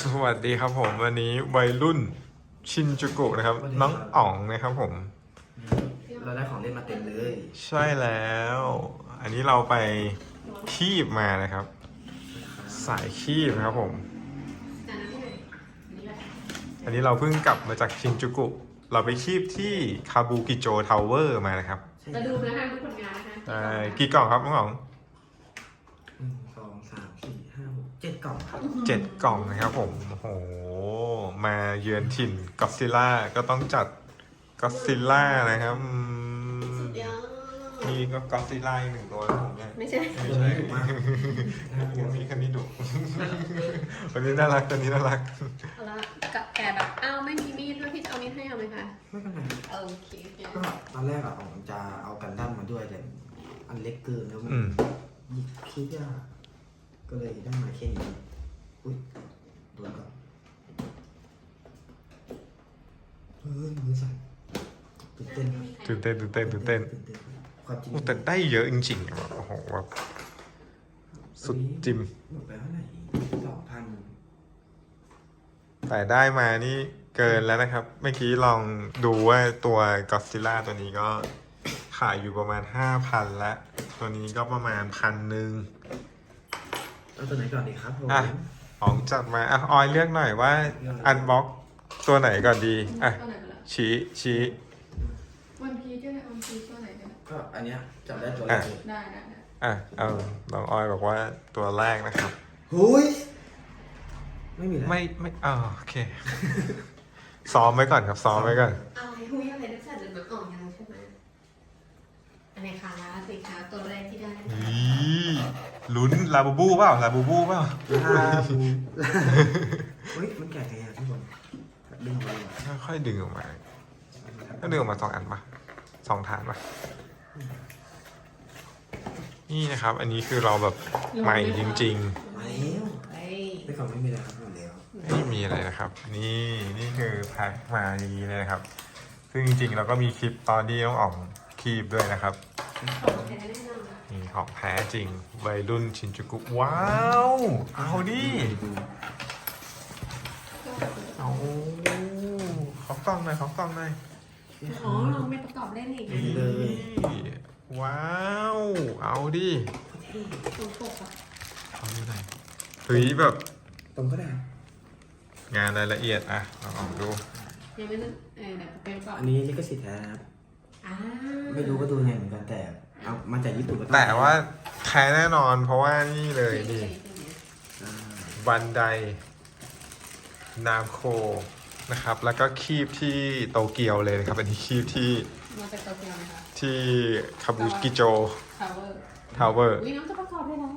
สวัสดีครับผมวันนี้วัยรุ่นชินจูกุนะครับน้องอ๋องนะครับผมเราได้ของเล่นมาเต็มเลยใช่แล้ว อันนี้เราไปคีบมานะครับ สายคีบนะครับผม อันนี้เราเพิ่งกลับมาจากชินจูกุเราไปคีบที่คาบูกิโจทาวเวอร์มานะครับมาดูนะคะทุกผลงานนะคะกี่กล่องครับน้องอ๋อง 1 2 3 4 5 6 7 กล่องครับ 7 กล่องนะครับผมโอ้โหมาเยือนถิ่นก็อดซิลล่าก็ต้องจัดก็อดซิลล่านะครับนี่ก็ก็อดซิลล่าอีก1 ตัวนะผมเนี่ยไม่ใช่ไม่ใช่มีคันนี้ดุวันนี้น่ารักตัวนี้น่ารักเอาละกับแกแบบอ้าวไม่มีมีดด้วยพี่จะเอามีดให้เอาไหมคะไม่เป็นไรโอเคก็ตอนแรกอะผมจะเอากันดั้มมาด้วยแต่อันเล็กเกินแล้วมันอืมหยิบคิดยากก็เลยได้มาแค่นี้อุ้ยโดนก่อนมือสั่นตื่นเต้นครับตื่นเต้นความจริงโอ้แต่ได้เยอะจริงๆแบบโอ้โหแบบสุดจิมหมดไปเท่าไหร่2,000 แต่ได้มานี่เกินแล้วนะครับ เมื่อกี้ลองดูว่าตัวก็อดซิลล่าตัวนี้ก็ขายอยู่ประมาณ 5,000แล้วตัวนี้ก็ประมาณ1,000 เอาตัวไหนก่อนดีครับผมอ่ะอ๋องจัดมาอ่ะออยเลือกหน่อยว่าอันบ็อกตัวไหนก่อนดีอ่ะตัวไหนไปละชี้วันพีก็ได้วันพีตัวไหนกันก็อันเนี้ยจับได้ตัวแรกเลยได้อ่ะเอาน้องออยบอกว่าตัวแรกนะครับหุยไม่มีแล้วไม่โอเค ซ้อมไว้ก่อนครับซ้อมไว้ก่อนเอาไอ้หุ้ยอะไรนักสัตว์เดินมาอ่องยาวใช่ไหมอันไหนคะสิคะตัวแรกที่ได้นี่ลุ้นลาบูบูเปล่าลาบูบูเปล่าลาบูเฮ้ยมันแก่ไงอ่ะทุกคนดึงออกมาเลยค่อยๆดึงออกมาก็ดึงออกมา2 อันปะ2 ฐานปะนี่นะครับ อันนี้คือเราแบบใหม่จริงมาแล้วเฮ้ยไม่ก่อนไม่มีแล้วครับหมดแล้วๆไม่มีอะไรนะครับ นี่คือแพ็คมาอย่างนี้เลยนะครับ ซึ่งจริงๆเราก็มีคลิปตอนที่น้องอ๋องคีบด้วยนะครับของแท้แน่นอนนี่ของแท้จริงวัยรุ่นชินจูกุว้าว เอาดิเอาขอกล้องหน่อยขอกล้องหน่อยอ๋อลองไปประกอบเล่นอีกนี่ว้าว เอาดิตรงปกอะเอาดูหน่อยเฮ้ยแบบตรงก็ได้งานรายละเอียดอะลองดูยังไม่ได้เดี๋ยวไปประกอบอันนี้ลิขสิทธิ์แท้นะครับอ่าไม่รู้ก็ดูไงเหมือนกันแต่เอามาจากญี่ปุ่นก็ต้องแต่ว่าแท้แน่นอนเพราะว่านี่เลยนี่อ่าบันไดนามโคนะครับ แล้วก็คีบที่โตเกียวเลยนะครับ อันนี้คีบที่มาจากโตเกียวนะคะที่คาบุกิโจทาวเวอร์ทาวเวอร์อุ้ยน้องจะประกอบได้แล้ว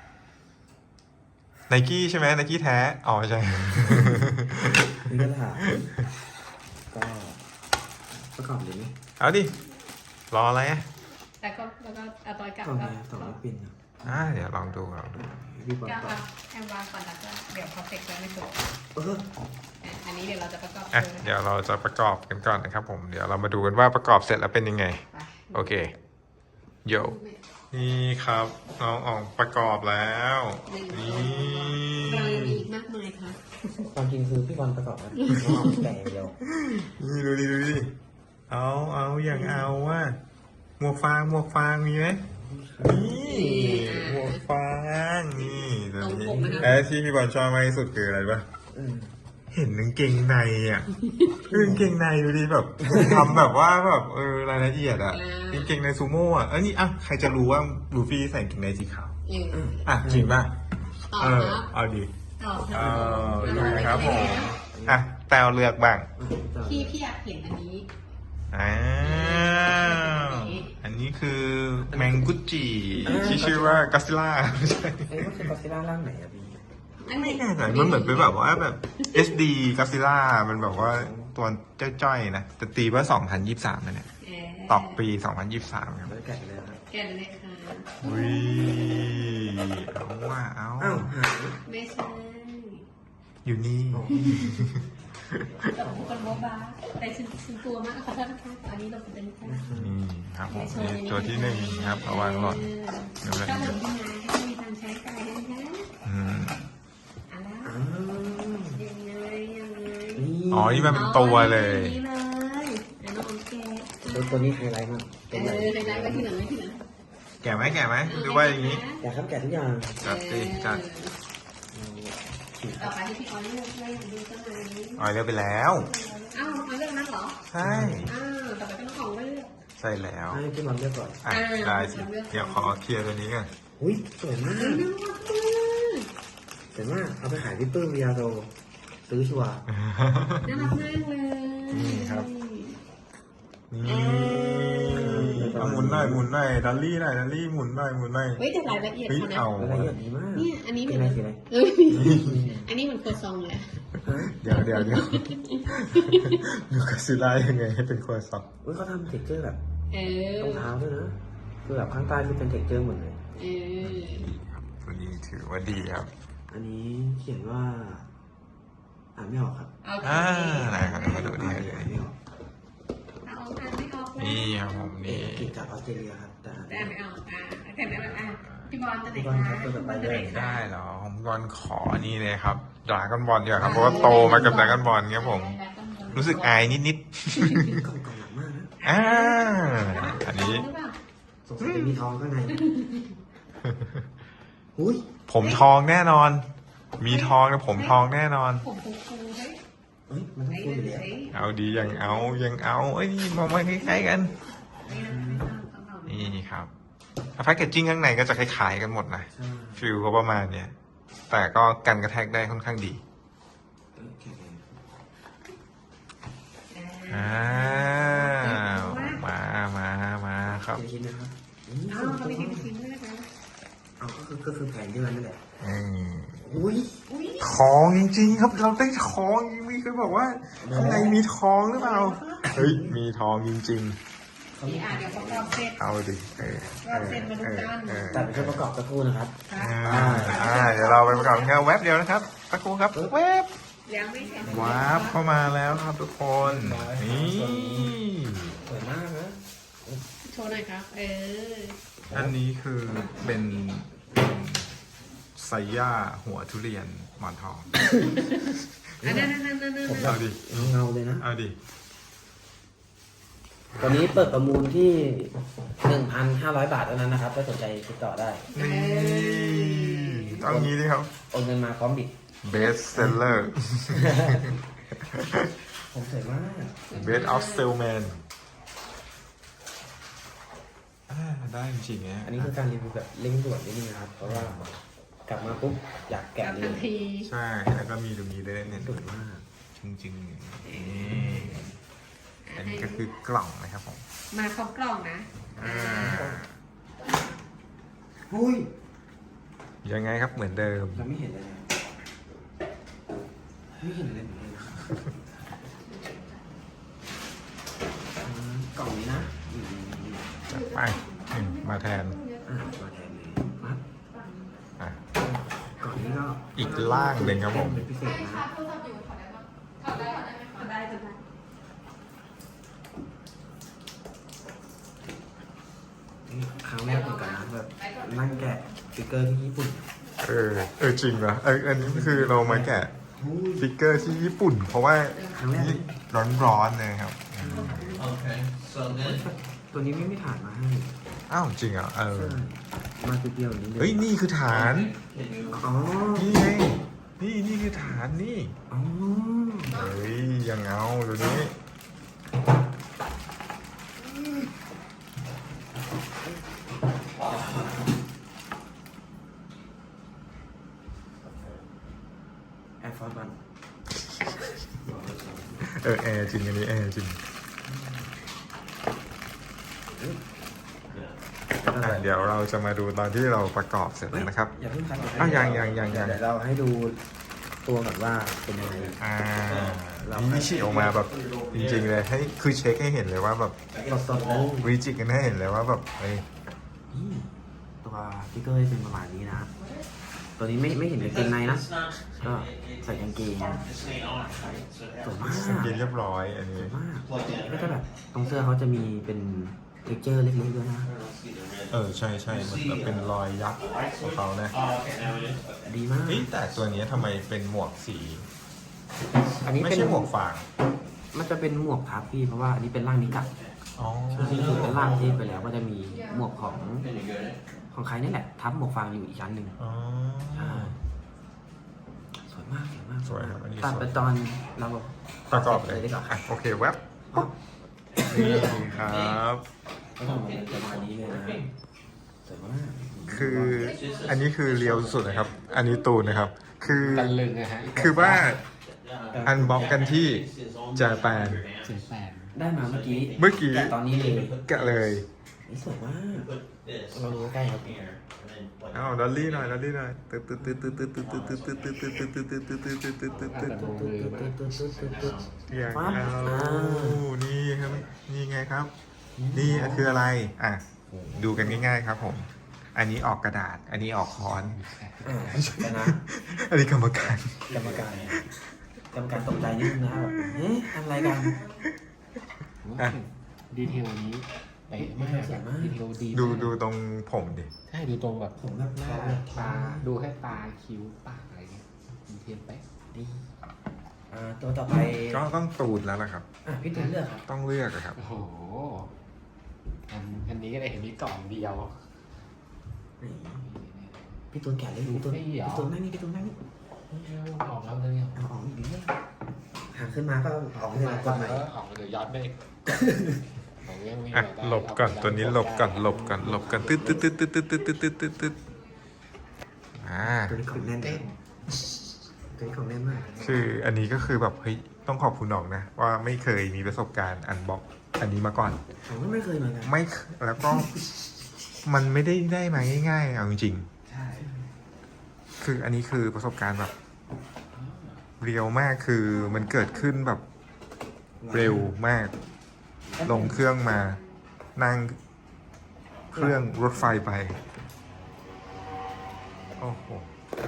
ไนกี้ใช่ไหมไนกี้แท้ อ๋อใช่นี่ก็ถามก็ประกอบเลยไหมเอาดิ รออะไรอ่ะแล้วก็เอาตัวกลับกล่องก็ไง200 ปินครับเดี๋ยวลองดูพี่บอลก็ต่อเอาแอมวางก่อนแล้วก็เดี๋ยวพอเสร็จแล้วไม่จบเอออันนี้เดี๋ยวเราจะประกอบอ่ะ เดี๋ยวเราจะประกอบกันก่อนนะครับผม เดี๋ยวเรามาดูกันว่าประกอบเสร็จแล้วเป็นยังไงไปโอเคโยนี่ครับน้องอ๋องประกอบแล้ว นี่เรายังมีอีกมากมายค่ะความจริงคือพี่บอลประกอบนะน้องแต่อย่างเดียวนี่ดูดิเอาอย่างเอาว่าหมวกฟางมีไหมนี่หมวกฟางนี่ตัวนี้และที่พี่บอลชอบมากที่สุดคืออะไรปะอืมเห็นกางเกงในอ่ะกางเกงในดูดิแบบทำแบบว่าแบบรายละเอียดอ่ะกางเกงในซูโม่อ่ะนี่ใครจะรู้ว่าลูฟี่ใส่กางเกงในสีขาว จริงป่ะต่อครับเอาดิต่อคดูรับนะครับผมแต้วเลือกบ้างพี่อยากเห็นอันนี้อ้าวอันนี้คือแมงกุจิที่ชื่อว่ากัสซิล่าไม่ใช่เอ้ยก็คือกอซิล่าร่างไหนอะพี่ไม่แน่ใจมันเหมือนเป็นแบบว่าแบบ SD กัสซิล่ามันแบบว่าตัวจ้อยๆนะแต่ตีว่า 2023นะเนี่ยตอกปี 2023 ครับแล้วแกะเลยครับแกะเลยค่ะอุ้ยเอาว่าเอาอ้าวหายไม่ใช่อยู่นี่แต่ผมคนโบ๊ะบ้าแต่ฉันตัวมากขอโทษนะคะอันนี้เราเป็นแค่นี่ครับผมนี่ตัวที่1ครับเอาวางหล่นถ้าหลังที่มาถ้ามีทางใช้ไกลนะคะอืมอ่ะแล้วอ้าวอ๋อนี่มันเป็นตัวเลยนี่เลยไอ้น้องแกะตัวนี้ไฮไลท์มากไฮไลท์ไว้ที่หลังไว้ที่หลังแก่ไหมหรือว่าอย่างนี้อยากทำแกะทุกอย่างจัดสิจัดต่อไปที่พี่ออยเลือกได้ดูกันไหมอ๋อเลือกไปแล้วอ้าวออยเลือกนั้นเหรอใช่อ้าวต่อไปก็ต้องของเลือกใช่แล้วให้พี่บอลเลือกก่อนอ่ะได้สิเดี๋ยวขอเคลียร์ตัวนี้ก่อนอุ้ยสวยมากน่ารักมากสวยมากเอาไปขายพี่ปื้มวิยาโดซื้อชัวร์น่ารักมากเลยนี่ครับนี่เอาหมุนหน่อยดัลลี่หมุนหน่อยเฮ้ยแต่รายละเอียดเฮ้ยเขานะเอารายละเอียดดีมากเนี่ยอันนี้เหมืสีอนอะไรสีอะไรเอ้ยอันนี้เหมือนครัวซองเลยเดี๋ยวดูกัสซิล่ายังไงให้เป็นครัวซองอุ้ยเขาทำเท็กเจอร์แบบเออรองเท้าด้วยนะคือแบบข้างใต้คือเป็นเท็กเจอร์หมดเลยเออครับตัวนี้ถือว่าดีครับอันนี้เขียนว่าอ่านไม่ออกครับโอเคไหนครับมาดูดิอ่านไม่ออกเอาอ่านไม่ออกเลยนี่ครับผมนี่กินจากออสเตรเลียครับแต่อ่านแต่ไม่อ่านอไม่อกออกแต่ไม่ออกพี่บอลจะไหนพี่บอลครับตัวต่อไปเลยได้เหรอผมก่อนขอนี่เลยครับดราก้อนบอลดีกว่าครับเพราะว่าโตมากับดราก้อนบอลครับผม รู้สึกอายนิดกล่องหนักมากนะๆอันนี้สงสัยจะมีทองข้างในอุ้ยผมทองแน่นอน มีทองนะผมทองแน่นอนผมฟูๆเฮ้ยเอ้ยมันต้องไอ้ฟูอยู่แล้วเอาดียังเอาเอ้ยนี่มองมาคล้ายๆกัน นี่ครับแพ็กเกจจิ้งข้างในก็จะคล้ายๆกันหมดนะใช่ฟิลก็ประมาณเนี้ยแต่ก็กันกระแทกได้ค่อนข้างดีโอเคอ้าวมาครับเดี๋ยวชิ้นนะครับอ้าวเขาไม่กินชิ้นด้วยนะคะเอาก็คือแผงที่มันนี่แหละอืมอุ้ยอุ้ยทองจริงๆครับ เราได้ทองจริงๆเคยบอกว่าข้างในมีทองหรือเปล่า เฮ้ย มีทองจริงนี่เดี๋ยวเขารอบเสร็จๆ เอาดิแต่เป็นเครื่องประกอบตะกูนะครับเดี๋ยวเราไปประกอบงานเว็บเดียวนะครับสักครู่ครับเว็บยังไม่เสร็จวาร์ปเข้ามาแล้วครับทุกคน นี่สวยมากนะโชว์หน่อยครับอันนี้คือเป็นไซย่าหัวทุเรียนหมอนทองนั่นเอาดิเงาเลยนะเอาดิตอนนี้เปิดประมูลที่ 1,500 บาทเท่านั้นนะครับถ้าสนใจติดต่อได้นี่ต้องงี้ดิครับโอนเงินมาพร้อมบิด Best Seller ผมสวยมาก Best of Salesman ได้จริงๆนะอันนี้คือการรีวิวแบบเร่งด่วนนิดนึงนะครับ เพราะว่ากลับมาปุ๊บอยากกลัแกะบเลทันยทีใช่ แล้วก็มีตรงนี้ด้วยเนี่ยสวยมากจริงๆนี่อันนี้ก็คือกล่องนะครับผมมาครบกล่องนะอุ้ยยังไงครับเหมือนเดิมเราไม่เห็นเลยนะไม่เห็นเลยนะครับกล่องนี้นะจัดไปมาแทนมาแทนเลยปั๊บอ่ะกล่องนี้ก็อีกล่างหนึ่งครับผมเป็นพิเศษนะได้จะได้นี่ครั้งแรกเหมือนกันนะแบบนั่งแกะสติกเกอร์ที่ญี่ปุ่นจริงเหรออันนี้คือเรามาแกะฟิกเกอร์ที่ญี่ปุ่น เพราะว่านี่ร้อนๆเลยครับตัวนี้ไม่ฐานมาให้อ้าวจริงเหรอใช่มาตัวเดียวอย่างนี้เลยเฮ้ยนี่คือฐานอ๋อนี่ไงนี่คือฐานนี่อ๋อเฮ้ยยังเอาตัวนี้แอร์ฟอร์สวันแอร์จริงอันนี้แอร์จริงเดี๋ยวเราจะมาดูตอนที่เราประกอบเสร็จแล้วนะครับอย่าเพิ่งคัดอ้าวยังเดี๋ยวเราให้ดูตัวก่อนว่าเป็นยังไงนี่ฉีกออกมาแบบจริงๆเลยให้คือเช็คให้เห็นเลยว่าแบบสดๆเลยวิจิกกันให้เห็นเลยว่าแบบเฮ้ยนี่ตัวสติ๊กเกอร์เป็นประมาณนี้นะตัวนี้ไม่เห็นกางเกงในนะก็ใส่กางเกงสวยมากกินเรียบร้อยอันนี้สวยมากก็จะแบบตรงเสื้อเขาจะมีเป็นเท็กเจอร์เล็กๆด้วยนะใช่เหมือนแบบเป็นรอยยักษ์ของเขานะดีมากเฮ้ยแต่ตัวนี้ทำไมเป็นหมวกสีอันนี้ไม่เป็นใช่หมวกฟางมันจะเป็นหมวกทับพี่เพราะว่าอันนี้เป็นร่างนิกะอ๋อคือเป็นร่างเทพไปแล้วก็จะมีหมวกของใครนี่แหละทับหมวกฟางอยู่อีกชั้นหนึ่งอ๋อใช่สวยมากสวยมากสวยครับอันนี้ตัดสวยไปตอนเราประกอบเลยดีกว่าอ่ะโอเคแว็บนี่ครับก็ทำมาเป็นประมาณนี้เลยนะสวยมากคืออันนี้คือเรียวสุดนะครับ อันนี้ตูนนะครับ คือตะลึงอะฮะคือว่าอันบ็อกกันที่จาแปนเสียงแปดได้มาเมื่อกี้เมื่อกี้แต่ตอนนี้เลยกะเลยนี่สวยมาก เราดูใกล้ครับอ้าวดอลลี่หน่อยดอลลี่หน่อยตึ๊ดตึ๊ดตึ๊ดตึ๊ดตึ๊ดตึ๊ดตึ๊ดตึ๊ดตึ๊ดตึ๊ดตึ๊ดตึ๊ดตึ๊ดตึ๊ดตึ๊ดตึ๊ดตึ๊ดตึ๊ดตึ๊ดแต่มือมันอยากเอานี่ครับนี่ไงครับ นี่คืออะไรอ่ะดูกันง่ายๆครับผม อันนี้ออกกระดาษ อันนี้ออกค้อนแต่นะอันนี้กรรมการกรรมการตกใจนิดนึงนะครับเอ๊ะทำอะไรกันอ่ะดีเทลนี้เป๊ะมากสวยมากดีเทลดีดูมากดูตรงผมดิใช่ดูตรงแบบผมแบบหน้าเขาแบบตาดูแค่ตาคิ้วปากอะไรเงี้ยดีเทลเป๊ะดีตัวต่อไปก็ต้องตูดแล้วล่ะครับพี่ตูนเลือกครับต้องเลือกอะครับโอ้โหอันนี้ก็ได้เห็นมีกล่องเดียวพี่ตูนแกะเลยพี่ตูนนั่งนี่พี่ตูนนั่งนี่ออกแล้วเลยเอาออกอีกนิดหางขึ้นมาก็ออกเลยกดใหม่ออกเดี๋ยวย้อนไปของยังมีอ่ะหลบก่อนตัวนี้หลบก่อนหลบก่อนหลบก่อนตึ๊ดตึ๊ดตึ๊ดตึ๊ดตึ๊ดตึ๊ดตึ๊ดตึ๊ดตึ๊ดตึ๊ดอ่าตัวนี้ของแน่นเต้นตัวนี้ของแน่นมากคืออันนี้ก็คือแบบเฮ้ยต้องขอบคุณน้องนะ ว่าไม่เคยมีประสบการณ์อันบ็อกอันนี้มาก่อนผมก็ไม่เคยเหมือนกันไม่เคแล้วก็มันไม่ได้มาง่ายๆเอาจริงใช่ๆคืออันนี้คือประสบการณ์แบบเรียวมากคือมันเกิดขึ้นแบบเร็วมาก ลงเครื่องมานั่งเครื่องรถไฟไป โอ้โห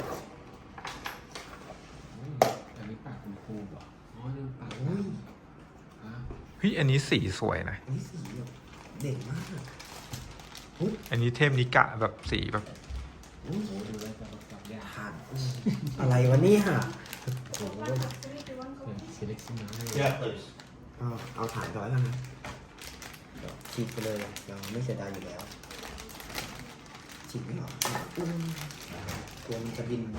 อันนี้ปากคุณครูป่ะอ๋อนี่ปากอุ้ยเฮ้ยอันนี้สีสวยนะอันนี้สีแบบเด็กมากอันนี้เทพนิกะแบบสีแบบอุ้ยโอ้ดูแล้วจะประกอบยากผ่านอะไรวะเนี่ยโอ้โหเซเล็กซี่น้อยเอาฐานก่อนแล้วกันนะฉีดไปเลยเราไม่เสียดายอยู่แล้วฉีดไม่หรอกกลัวมันจะบิน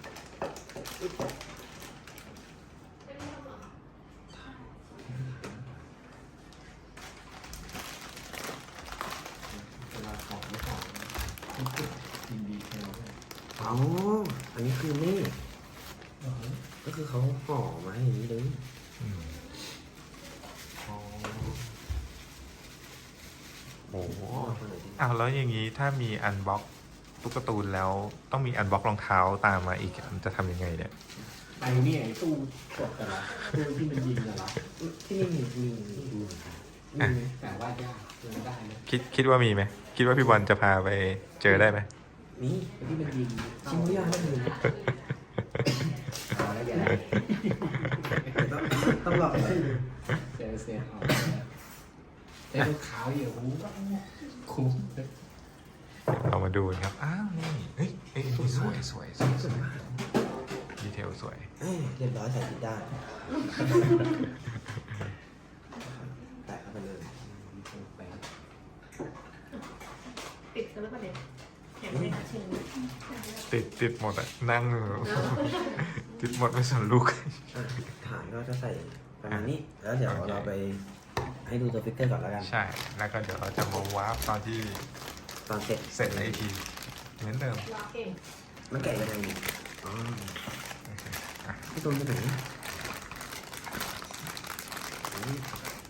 เวลาของไม่ของยินดีเทลด้วยอ๋ออันนี้คือนี่ก็คือเขาห่อมาให้อย่างนี้เลยอืมอ๋อโอ้โหห่อมาเลยดิอ้าวแล้วอย่างนี้ถ้ามีอันบ็อกตุ๊กตาตูนแล้วต้องมีอันบ็อกรองเท้าตามมาอีกจะทำยังไงเนี่ยไอ้นี่ไอ้ตู้กดกันละตู้ที่มันยิงกันละที่นี่มีดูเหมือนกันมีไหมแต่ว่ายากเจอได้นะคิดว่ามีไหมคิดว่าพี่บอลจะพาไปเจอได้ไหมมีที่มันยิงชิ้นยากก็มีนะเอาแล้วอย่าต้องหลอกให้ดูเซลออกแต่ลูกขาวอยู่คุ้มเรามาดูกันครับ อ้าวนี่เฮ้ยเอ้ยนี่สวยสวยสวยสวยดีเทลสวยเรียบร้อยใส่ติดได้แตะเข้าไปเลยติดกันแล้วประเด็นแข็งเลยค่ะเชิญติดหมดอะนั่ง ติดหมดไม่สนลูกฐานก็จะใส่ประมาณนี้ แล้วเดี๋ยวเราไปให้ดูตัวฟิกเกอร์ก่อนแล้วกันใช่ แล้วก็เดี๋ยวเราจะมาวาร์ปตอนที่ตอนเสร็จเสร็จในทีเหมือนเดิมรอเก่งมันแกะยังไงเนี่ยอ๋อโอเคอ่ะพี่ตูนไปไหนอุ๊ย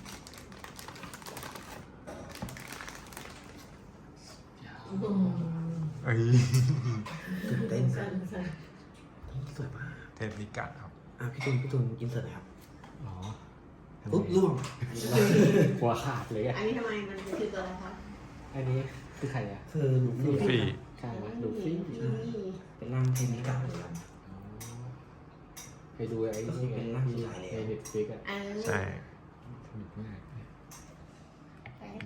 เอ้ยตื่นเต้นสั่นสวยมากเทปนิกะครับพี่ตูนอินเสิร์ตหน่อยครับอ๋อปุ๊บล่วงหัวขาดเลยอ่ะอันนี้ทำไมมันคือตัวอะไรคะอันนี้คือใครอ่ะคือลูกฟรีใช่ไหมดูฟิ้งเป็นร่างเทนิกาเลยครับไปดูไอ้นี่ไงในเน็ตฟลิกอ่ะใช่สนุกมาก